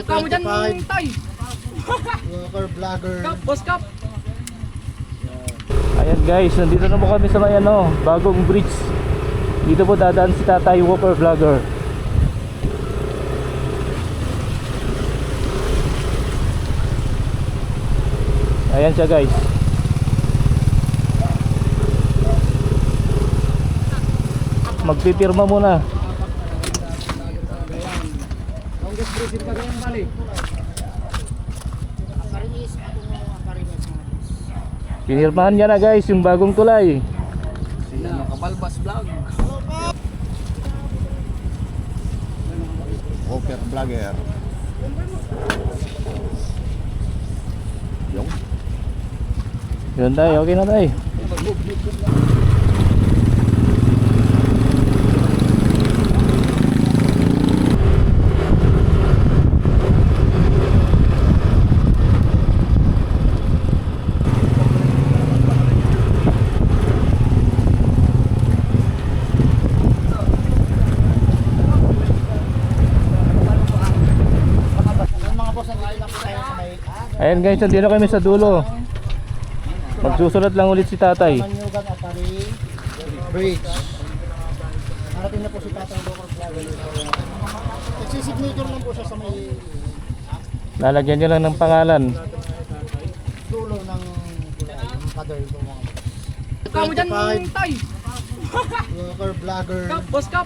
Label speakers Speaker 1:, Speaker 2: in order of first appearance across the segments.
Speaker 1: Kamu dyan, tay.
Speaker 2: Walker vlogger.
Speaker 1: Kap, boss Kap.
Speaker 3: Ayan guys, nandito na po kami sa may bagong bridge. Dito po dadaan si Tatay Walker Vlogger. Ayan siya guys. Magpipirma muna.
Speaker 1: Longest bridge in Cagayan Valley.
Speaker 3: Pinirmahan niya na guys yung bagong tulay.
Speaker 1: Kabalbas vlog.
Speaker 2: Walker vlogger. Yung
Speaker 3: Yun tayo, okay na tayo. Ayan guys, nandito kami sa dulo. Magsusulat lang ulit si Tatay.
Speaker 2: Manyugan Apari Bridge. Narating na po si Tatay Walker vlogger. Nagsisignature lang po siya sa may
Speaker 3: Lalagyan niya lang ng pangalan.
Speaker 2: dulo ng father ko mga.
Speaker 1: Kamu dyan, tay.
Speaker 2: Walker vlogger.
Speaker 1: Kap, boss Kap.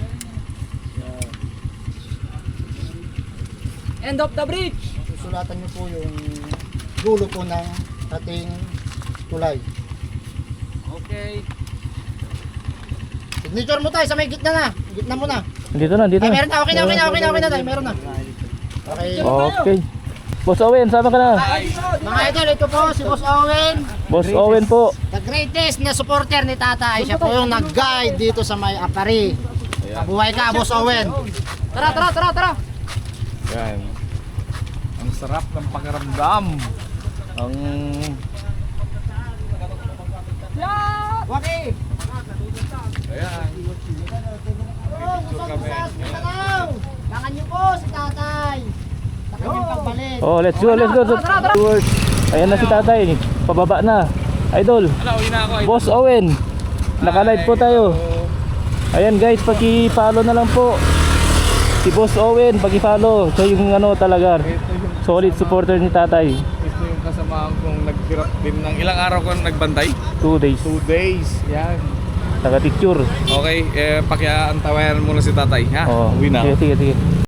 Speaker 1: End of the bridge.
Speaker 2: Susulatan niyo po yung dulo po ng ating tulay.
Speaker 1: Okay.
Speaker 2: Signature mo tayo sa may gitna na. Gitna mo na.
Speaker 3: Dito na, dito
Speaker 2: Ay,
Speaker 3: na.
Speaker 2: meron na. Okay na, okay na, okay na, okay na tayo. Meron na. Okay.
Speaker 3: Okay. Boss Owen, sama ka na.
Speaker 2: Mga idol, ito po si Boss Owen.
Speaker 3: Boss Owen po.
Speaker 2: The greatest na supporter ni Tatay. Siya po yung nag-guide dito sa may Apari. Mabuhay ka, Boss Owen.
Speaker 1: Tara, tara, tara, tara.
Speaker 4: Yan. Ang sarap ng pakiramdam. Ang
Speaker 2: Waki!
Speaker 4: ayan.
Speaker 2: Gusto kami. Langan niyo po si Tatay. Sa kanyang pagbalik.
Speaker 3: Oh, let's go, let's go. Towards. Ayan na si Tatay. Pababa na. Idol.
Speaker 4: Ano, uwi na ako.
Speaker 3: Boss Owen. Naka-live po tayo. Ayan guys, paki-follow na lang po. Si Boss Owen, paki-follow. Siya yung talaga
Speaker 4: Ito yung,
Speaker 3: solid supporter ni Tatay.
Speaker 4: ito yung kasamahan kong nagpirat din ng ilang araw ko nagbantay.
Speaker 3: 2 days.
Speaker 4: 2 days. Yan.
Speaker 3: Naka-picture.
Speaker 4: Okay, pakiantawayan muna si tatay, ha?
Speaker 3: Oh,
Speaker 4: Uwi na ako.
Speaker 3: sige, sige, sige.